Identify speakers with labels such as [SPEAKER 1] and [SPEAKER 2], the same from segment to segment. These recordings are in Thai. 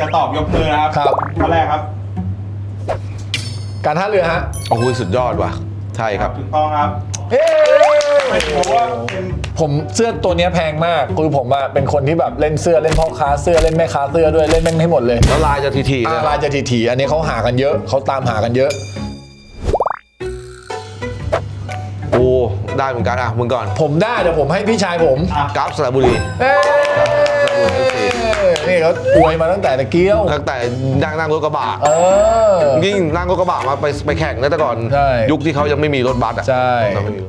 [SPEAKER 1] จะตอบยกมือนะครับ
[SPEAKER 2] ครับ
[SPEAKER 1] ข้อแรกครับ
[SPEAKER 2] การท่าเรือฮะ
[SPEAKER 3] โอ้โหสุดยอดว่ะใช่ครับ
[SPEAKER 1] ถูกต้องครับ
[SPEAKER 2] เฮ้
[SPEAKER 1] ไม่ถือว่าเป็น
[SPEAKER 2] ผมเสื้อตัวเนี้ยแพงมากคือผมอะเป็นคนที่แบบเล่นเสื้อเล่นพ่อค้าเสื้อเล่นแม่ค้าเสื้อด้วยเล่นแม่งให้หมดเลย
[SPEAKER 3] แล้วลายจะทีๆเลย
[SPEAKER 2] ลายจะถี่ๆอันนี้เขาหากันเยอะเขาตามหากันเยอะ
[SPEAKER 3] โอ้ได้เหมือนกันอ่ะมึงก่อน
[SPEAKER 2] ผมได้เดี๋ยวผมให้พี่ชายผม
[SPEAKER 3] กราฟสระบุรี
[SPEAKER 2] เอ้ยนี่เขาอวยมาตั้งแต่ตะเกียว
[SPEAKER 3] ตั้งแต่นั่งรถกระบะ
[SPEAKER 2] เออ
[SPEAKER 3] ยิ่งนั่งรถกระบะมาไปแข่งนะแต่ก่อน
[SPEAKER 2] ใช่
[SPEAKER 3] ยุคที่เขายังไม่มีรถบัสอ่ะ
[SPEAKER 2] ใช่
[SPEAKER 3] เราไม่มี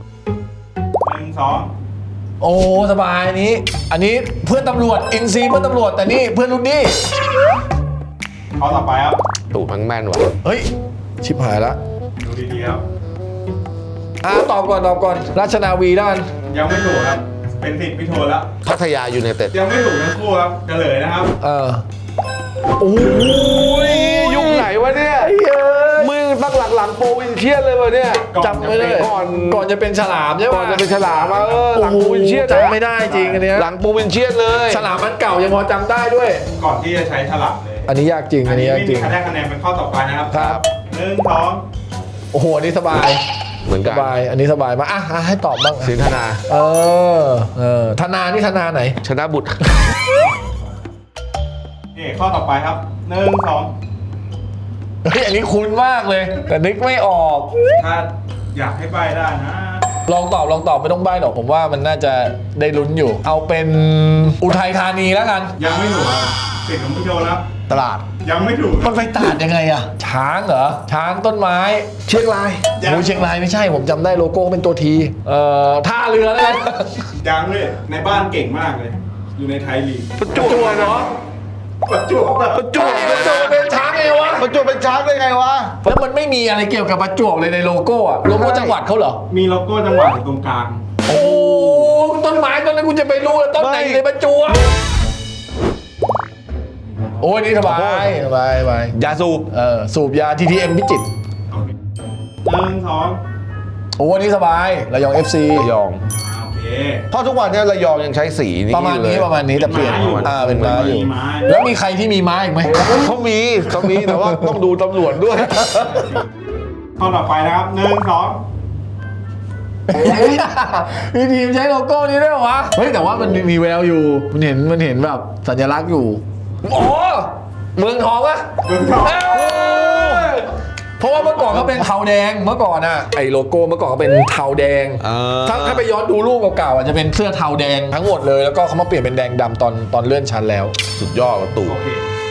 [SPEAKER 1] 1 2
[SPEAKER 2] โอ้สบายอันนี้เพื่อนตำรวจอินซีเพื่อนตำรวจแต่นี่เพื่อนรุ่นนี้
[SPEAKER 1] ข้อต่อไปครับ
[SPEAKER 3] ถูกแม่นว่ะ
[SPEAKER 2] เฮ้ยชิบหายละ
[SPEAKER 1] ดูดีๆครับ
[SPEAKER 2] ตอบก่อนราชนาวีด้าน
[SPEAKER 1] ยังไม่ถูกครับ เป็นสิทธิ์พี่โทนแล้ว
[SPEAKER 3] พัทยายูไนเต็ด
[SPEAKER 1] ยังไม่ถูกทั้งคู่ครับเฉลยนะครับ
[SPEAKER 2] โอ้ย
[SPEAKER 3] ยุคไหนวะเนี่ยมึงตั้งหลังโปรวินเชียนเลยวะเนี่ย
[SPEAKER 2] จำไม่ได้ก่อนจะเป็นฉลามใช่ไหม
[SPEAKER 3] ก่อนจะเป็นฉลามมาหลังโปรวินเชียน
[SPEAKER 2] จำไม่ได้จริงอันเนี้ย
[SPEAKER 3] หลังโปรวินเชียนเลย
[SPEAKER 2] ฉลามมันเก่ายังพอจำได้ด้วย
[SPEAKER 1] ก่อนที่จะใช้ฉลามเลย
[SPEAKER 2] อันนี้ยากจริงอันนี้ยากจริง
[SPEAKER 1] ไม่มีใครได้คะแนนเป็นข้อต่อไปนะครับ
[SPEAKER 2] ครับ
[SPEAKER 1] 1 2
[SPEAKER 2] โอ้โหอันนี้สบาย
[SPEAKER 3] เหมือน
[SPEAKER 2] ส
[SPEAKER 3] กัน
[SPEAKER 2] บายอันนี้สบายมากให้ตอบบ้าง
[SPEAKER 3] สินธนา
[SPEAKER 2] ธนานี่ธนาไหน
[SPEAKER 3] ชนะบุตร
[SPEAKER 1] นี่ข้อต่อไปครับ 1 2
[SPEAKER 2] เฮ้ยอันนี้คุ้นมากเลย แต่นึกไม่ออก
[SPEAKER 1] ถ้าอยากให้ใบได้นะ
[SPEAKER 2] ลองตอบไม่ต้องใบ้หรอกผมว่ามันน่าจะได้ลุ้นอยู่ เอาเป็นอุทัยธานีแล้วกัน
[SPEAKER 1] ยังไม่ถูกครับสิทธิ์ของพี่โทนครับ
[SPEAKER 3] ตลาด
[SPEAKER 1] ยังไม่ถูกค
[SPEAKER 2] มั
[SPEAKER 1] รับ
[SPEAKER 2] นไปตาดยังไงอะช้างเหรอช้างต้นไม้
[SPEAKER 3] เชียงราย
[SPEAKER 1] ยัง
[SPEAKER 2] โอ้ยเชียงรายไม่ใช่ผมจำได้โลโก้เป็นตัวทีท่าเรือแล้วกัน
[SPEAKER 1] ยังเลยในบ้านเก่งมากเลย อยู่ในไทยลีก
[SPEAKER 3] ประจวบเหรอ
[SPEAKER 1] ประจวบแบบ
[SPEAKER 3] ประจวบ
[SPEAKER 2] ประจวบเป็นช้างไงวะ
[SPEAKER 3] ประจวบเป็นช้างได้ไงวะ
[SPEAKER 2] แล้วมันไม่มีอะไรเกี่ยวกับประจวบเลยในโลโก้อะโลโก้จังหวัดเขาเหรอ
[SPEAKER 1] มีโลโก้จังหวัดอยู่ตรงกลาง
[SPEAKER 2] โอ้ต้นไม้ต้นนั้นกูจะไปรู้แล้วต้นไหนในประจวบโอ้ยนี่สบายสบาย
[SPEAKER 3] ยาสูบ
[SPEAKER 2] สูบยา TTM พิจิตร
[SPEAKER 1] 1 2
[SPEAKER 2] โอ้นี่สบายระยอง FC
[SPEAKER 3] ระยอง
[SPEAKER 1] โอเค
[SPEAKER 3] เพราะทุกวันเนี้ระยองยังใช้สีนี้
[SPEAKER 2] ประมาณ
[SPEAKER 3] อยู่เลย
[SPEAKER 2] นี้ประมาณนี้แต่เปลี่ยน
[SPEAKER 1] เป็นม้าอยู่
[SPEAKER 2] เป็นม้าอยู่
[SPEAKER 1] มีม้า
[SPEAKER 2] แล้วมีใครที่มีม้าอีกไหม
[SPEAKER 3] เขามีแต่ว่าต้องดูตำรวจด้วย
[SPEAKER 1] ข้อต่อไปนะครับ 1 2
[SPEAKER 2] มีทีมใช้โลโก้นี้ด้วยเหรอวะเฮ้ยแต่ว่ามันมีแววอยู่มันเห็นแบบสัญลักษณ์อยู่โอ้เมืองทองอะ
[SPEAKER 1] เมืองทอง
[SPEAKER 2] เพราะว่าเมื่อก่อนเขาเป็นเทาแดงเมื่อก่อนอะไอโลโก้เมื่อก่อนเขาเป็นเทาแดงถ้าไปย้อนดูรูปเก่าๆอะจะเป็นเสื้อเทาแดงทั้งหมดเลยแล้วก็เขามาเปลี่ยนเป็นแดงดำตอนเลื่อนชั้นแล้ว
[SPEAKER 3] สุดยอดประตู
[SPEAKER 1] โอเค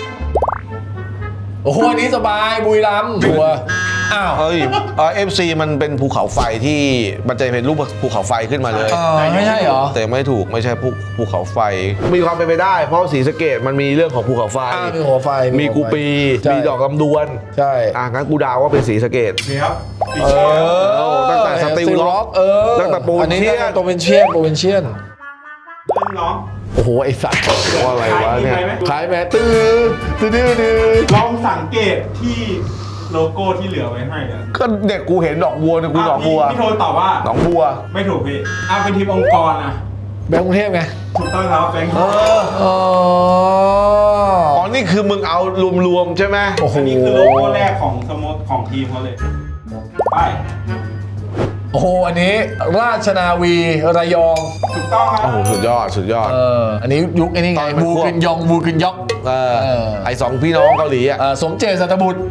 [SPEAKER 2] โอ้โหอันนี้สบายบุรีรัมย์ชัวร์อ้าว
[SPEAKER 3] เฮ้ยFC มันเป็นภูเขาไฟที่มันจะเป็นรูปภูเขาไฟขึ้นมาเลย
[SPEAKER 2] ไม่ใช่เหรอ
[SPEAKER 3] แต่ไม่ถูกไม่ใช่ภูเขาไฟ มีความเป็นไปได้ เพราะศรีสะเกษมันมีเรื่องของภูเขาไฟ
[SPEAKER 2] มีหัวไฟ
[SPEAKER 3] มีกูปี
[SPEAKER 2] ใช่
[SPEAKER 3] มีดอกลำดวน
[SPEAKER 2] ใช่
[SPEAKER 3] งั้นกูดาวว่าเป็นศรีสะเกษ
[SPEAKER 1] โอเคครับสี
[SPEAKER 2] เอ
[SPEAKER 1] เขียว
[SPEAKER 2] อ
[SPEAKER 3] ตั้งแต่สติลล็อก ตั้งแต่โปรวินเชียน
[SPEAKER 2] อัโปรวินเชียนโปรวินเชียน
[SPEAKER 1] 1 2
[SPEAKER 2] โอ้โหไอสัตว์
[SPEAKER 3] ว่าอะไรวะเนี่ย
[SPEAKER 2] ขายแม่ตื้อดื้อ
[SPEAKER 1] ลองสังเกตที่โลโก้ที่เหลือไว้ให้อะ
[SPEAKER 3] ก็เด็กกูเห็นดอกบัวเนี่ยกูดอกบัว
[SPEAKER 1] พี่โทนตอบว่า
[SPEAKER 3] หนองบัว
[SPEAKER 1] ไม่ถูกพี่เป็นทีมองค์กรนะ
[SPEAKER 2] แบงค์กรุงเทพไง
[SPEAKER 1] ถูกต้องครับแบงค์
[SPEAKER 2] อ๋อ
[SPEAKER 3] นี่คือมึงเอารวมๆใช่ไหม
[SPEAKER 2] โอ้โห
[SPEAKER 1] อันนี้คือโลโก้แรกของสโมสรของทีมเขาเลย ไป
[SPEAKER 2] โอ้โหอันนี้ราชนาวีระยอง
[SPEAKER 1] ถูกต้องครับ
[SPEAKER 3] โอ้โหสุดยอดสุดยอด
[SPEAKER 2] อันนี้ยุคไอ้นี่ไง
[SPEAKER 3] ตอนเป็น
[SPEAKER 2] บู
[SPEAKER 3] พวก
[SPEAKER 2] กึนยองบูกึนยอก
[SPEAKER 3] ไอสองพี่น้องเกาหลีอ่ะ
[SPEAKER 2] สมเจตสัตบุตร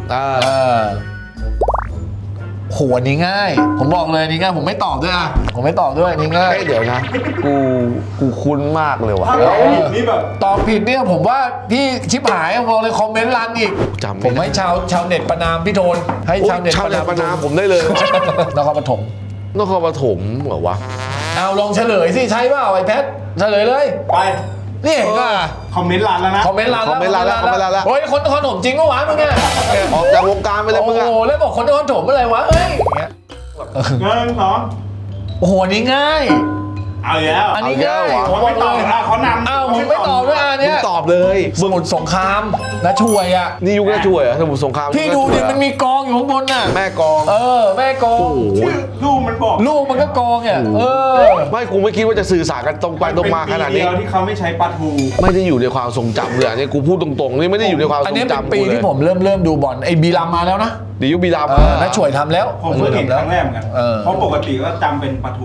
[SPEAKER 2] โหอันนี้ง่าย ผมบอกเลยอันนี้ง่ายผมไม่ตอบด้วยผมไม่ตอบด้วยอันนี้ง่าย
[SPEAKER 3] เดี๋ยวนะ กูคุ้นมากเลยว่ะ
[SPEAKER 1] ถ้าเราผิดนี่แบบ
[SPEAKER 2] ตอบผิดเนี่ยผมว่าพี่ชิบหายบอกเลยคอมเมนต์รันอีก
[SPEAKER 3] จำไม่ได้
[SPEAKER 2] ผมให้ชาวเน็ตประนามพี่โทนให้ชาวเน็ต
[SPEAKER 3] ชาวเน็ตประนามผมได้เลย
[SPEAKER 2] นครปฐม
[SPEAKER 3] นครปฐมเหรอวะ
[SPEAKER 2] เอาลองเฉลยสิใช่เปล่าไอ้แพทเฉลยเลย
[SPEAKER 1] ไป
[SPEAKER 2] นี่เห็นป่ะ
[SPEAKER 1] คอมเมนต์รันแล้วนะ
[SPEAKER 2] คอมเมนต์รัน
[SPEAKER 3] คอมเมนต์รันแล้ว
[SPEAKER 2] โอ้ยคนนครปฐมจริงก็หวานมึงเนี่ย
[SPEAKER 3] ออกจากวงการไปเลย
[SPEAKER 2] โอ้
[SPEAKER 3] มึงอะ
[SPEAKER 2] โหแล้วบอกคนนครปฐมอะไรวะเอ้ยอย่างเงี้ย
[SPEAKER 1] 1 2
[SPEAKER 2] โอ้โหอันนี้ง่าย
[SPEAKER 1] เอาอีกแล้ว
[SPEAKER 2] อันนี้ง่าย
[SPEAKER 1] ผมไม่ตอบนะเขานำ
[SPEAKER 2] อ้าวผมไม่ตอบด้วยอัน
[SPEAKER 3] มึ
[SPEAKER 2] เนี้
[SPEAKER 3] ง
[SPEAKER 2] ย
[SPEAKER 3] ตอบอบเลย
[SPEAKER 2] สมุทรสงครามนะช่วยอ่ะ
[SPEAKER 3] นี่ยุคน่าช่วยเหรอสมุทรสงคราม
[SPEAKER 2] พี่ดูดิมันมีกองอยู่ข้างบนน่ะ
[SPEAKER 3] แม่กอง
[SPEAKER 2] แม่กอง
[SPEAKER 1] ชื่อรูปมันบอก
[SPEAKER 2] ลูกมันก็กองเนี่ย
[SPEAKER 3] ไม่กูไม่คิดว่าจะสื่อสารกันตรงไปตรงมาขนาดนี้
[SPEAKER 1] เป็ปีเดียวที่เขาไม่ใช้ปลาทู
[SPEAKER 3] ไม่ได้อยู่ในความทรงจำเลยอันนี้กูพูดตรงๆนี่ไม่ได้อยู่ในความท
[SPEAKER 2] อัน
[SPEAKER 3] รง
[SPEAKER 2] นี้เป็น
[SPEAKER 3] จำ
[SPEAKER 2] ปี
[SPEAKER 3] กูเลย
[SPEAKER 2] ที่ผมเริ่มดูบอลไอ้บีรัมมาแล้วนะ
[SPEAKER 3] เดี๋ยวยุคบีราม
[SPEAKER 2] นะช่วยทำแล้ว
[SPEAKER 1] ผมเพิ่งเห็นครั้งแรกเหมือนกัน เพราะปกติก็จำเป็นปลาทู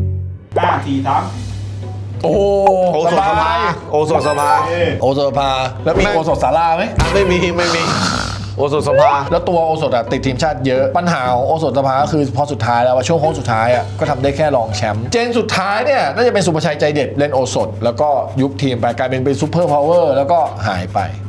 [SPEAKER 1] 5 4 3
[SPEAKER 2] โอ้
[SPEAKER 3] โอโซนสภาโอโซนสภา
[SPEAKER 2] โอโซนสภาแล้วมีโอโซนศาลาไหม
[SPEAKER 3] ไม่มีโอโซนสภา
[SPEAKER 2] แล้วตัวโอโซนติดทีมชาติเยอะปัญหาของโอโซนสภาก็คือพอสุดท้ายแล้วว่าช่วงโค้งสุดท้ายอ่ะก็ทำได้แค่รองแชมป์เจนสุดท้ายเนี่ยน่าจะเป็นสุภชัยใจเด็ดเล่นโอโซนแล้วก็ยุบทีมไปกลายเป็นซูเปอร์พาวเวอร์แล้วก็หายไป